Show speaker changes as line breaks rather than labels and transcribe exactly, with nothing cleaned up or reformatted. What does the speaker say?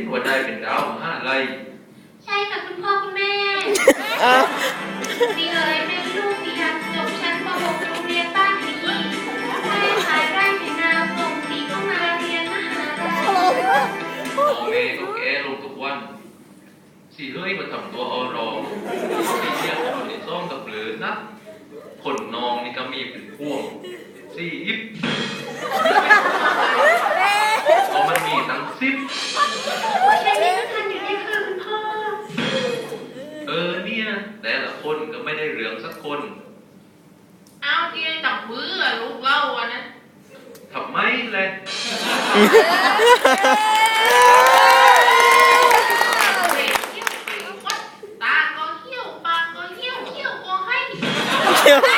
ว่าได้เป็นดาวมหาลัย
ใช่ค่ะคุณพ่อคุณแม่ดีเลยแม่ลูกดีอยากจบชั้นป .หก โรงเรียนบ้านผีแม่ขายไร่ขายนาส่งสีเข้ามาเรียนมหาลัย
พ่อแม่ก็แก่ลงทุกวันสีเฮ้ยมาทำตัวอรอสีเรียกคนในซ่องกับเหลือนะคนนองนี่ก็มีเป็นพวงสี่อิบก็มันมีตั้งสิบ
แค่นี้ก็ทันอยู่ได้ค่ะคุณพ่อ
เออเนี่ยแต่ละคนก็ไม่ได้เรื่องสักคน
เอาที่ไอ้ตับมือลูกเล่าวันนั้น
ทำไมเลย
ตาก็เหี้ยวปากก็เหี้ยวเหี้ยวก็ให้